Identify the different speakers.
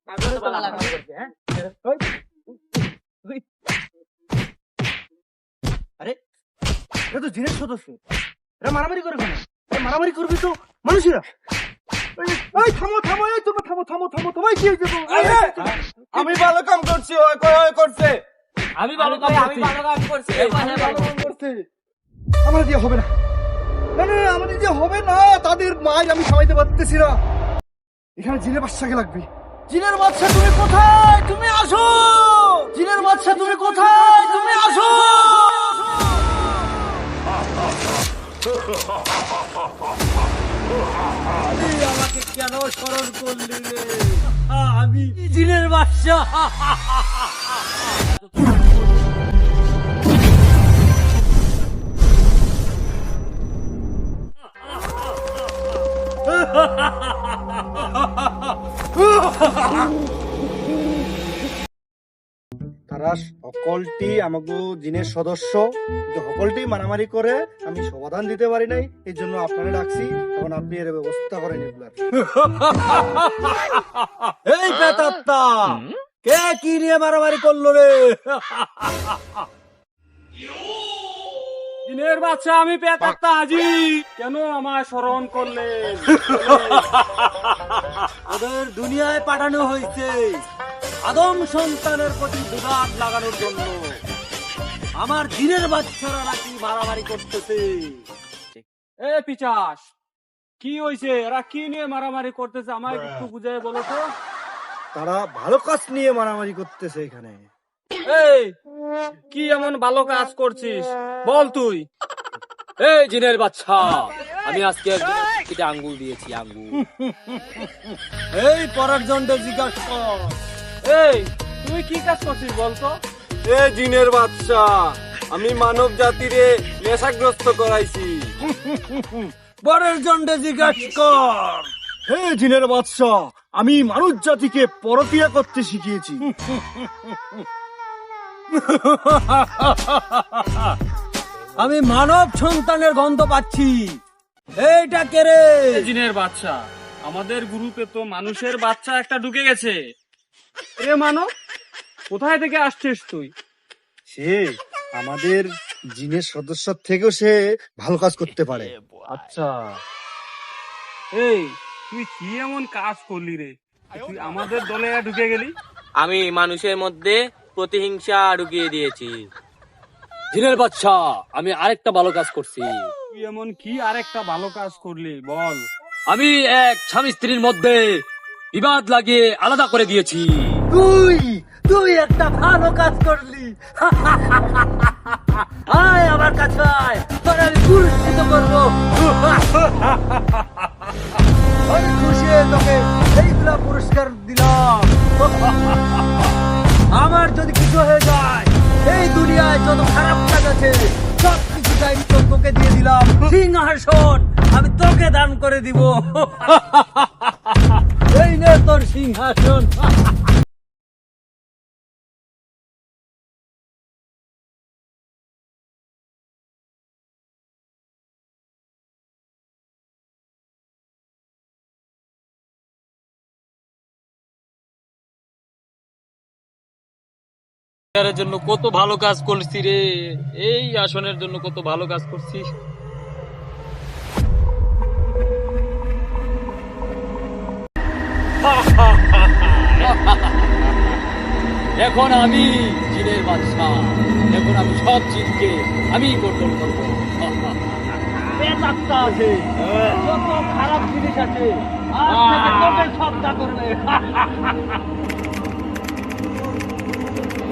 Speaker 1: আরে এটা তো জিনের সদস্য, এরা মারামারি করে কেন? মারামারি করবি তো মানুষেরা। এই থামো থামো, এই তোমরা থামো থামো থামো, তোমায় কি হয়েছে?
Speaker 2: আমি ভালো কাম করছি, ওই করছে।
Speaker 3: আমি ভালো কাম করছি।
Speaker 1: আমার দিয়ে হবে না, না না আমাদের দিয়ে হবে না, তাদের মায়ের আমি খাওয়াইতে পারতেছি না। এখানে জিনের বাচ্চাকে লাগবে। জিনের বাচ্চা তুমি কোথায়? তুমি আসো। জিনের বাচ্চা তুমি কোথায়? তুমি আসো।
Speaker 3: আমাকে কেন স্মরণ করলি রে? আমি জিনের বাচ্চা।
Speaker 1: তারা সকলটি আমাকে জিনের সদস্য, কিন্তু সকলটি মারামারি করে আমি সমাধান দিতে পারি নাই, এই জন্য আপনারা ডাকছি। এখন আপনি এর ব্যবস্থা করেন এগুলার।
Speaker 3: এই পেতাত্তা, কে কি নিয়ে মারামারি করলো রে? জিনের বাচ্চা, আমি পেতাত্তা হাজি। কেন আমায় স্মরণ করলেন? ওদের দুনিয়ায় পাঠানো হয়েছে আদম সন্তানের প্রতি বিঘাত লাগানোর জন্য। আমার জিনের বাচ্চারা নাকি মারামারি করতেছে। এ পিচাস, কি হয়েছে? এরা কি নিয়ে মারামারি করতেছে? আমায় একটু বুঝাই বলো তো।
Speaker 1: তারা ভালো কাজ নিয়ে মারামারি করতেছে এখানে।
Speaker 3: এই, কি এমন ভালো কাজ করছিস বল তুই? এই জিনের বাচ্চা, আমি আজকে আঙ্গুল দিয়েছি, আঙ্গুল। এই পরের জন্ডে জিজ্ঞাসা কর। এই, তুই কি কাজ করছিস বলতো?
Speaker 2: এ জিনের বাচ্চা, আমি মানব জাতিরে নেশাগ্রস্ত করাইছি।
Speaker 3: পরের জন্ডে জিজ্ঞাসা কর।
Speaker 1: হে জিনের বাদশা, আমি মানুষ জাতিকে পরকিয়া করতে শিখিয়েছি।
Speaker 3: আমি মানব সন্তানের গন্ধ পাচ্ছি। এইটা কে রে? জিনের বাচ্চা, আমাদের গ্রুপে তো মানুষের বাচ্চা একটা ঢুকে গেছে। এ মানব, কোথায় থেকে আসছিস তুই?
Speaker 1: সে আমাদের জিনের সদস্য থেকেও সে ভালো কাজ করতে পারে।
Speaker 3: আচ্ছা, এই তুই কি এমন কাজ করলি রে? তুই আমাদের দলে ঢুকে গেলি।
Speaker 4: আমি মানুষের মধ্যে প্রতিহিংসা ঢুকিয়ে দিয়েছি।
Speaker 3: জিনের বাচ্চা, আমি আরেকটা ভালো কাজ করছি। তুই এমন কি আরেকটা ভালো কাজ করলি বল? আমি এক স্বামী স্ত্রীর মধ্যে বিবাদ লাগিয়ে আলাদা করে দিয়েছি। তুই তুই একটা ভালো কাজ করলি। আয় আমার কাছে আয়, তোর আমি পুরস্কৃত করবো। আমি খুশি হয়ে তোকে এইগুলা পুরস্কার দিলাম। আমার যদি কিছু হয়ে যায়, এই দুনিয়ায় যত খারাপ কাজ আছে সব কিছু দায়িত্ব তোকে দিয়ে দিলাম। সিংহাসন আমি তোকে দান করে দিব। এই নে তোর সিংহাসন।
Speaker 4: এর জন্য কত ভালো কাজ করছি রে, এই আসনের জন্য কত ভালো কাজ করছিস।
Speaker 3: এখন আমি জিনের বাদশা, এখন আমি সব জিনকে আমি কন্ট্রোল করবো। পেতাত্তা আছে, যত খারাপ জিনিস আছে আজ থেকে তোকে সবটা করবে।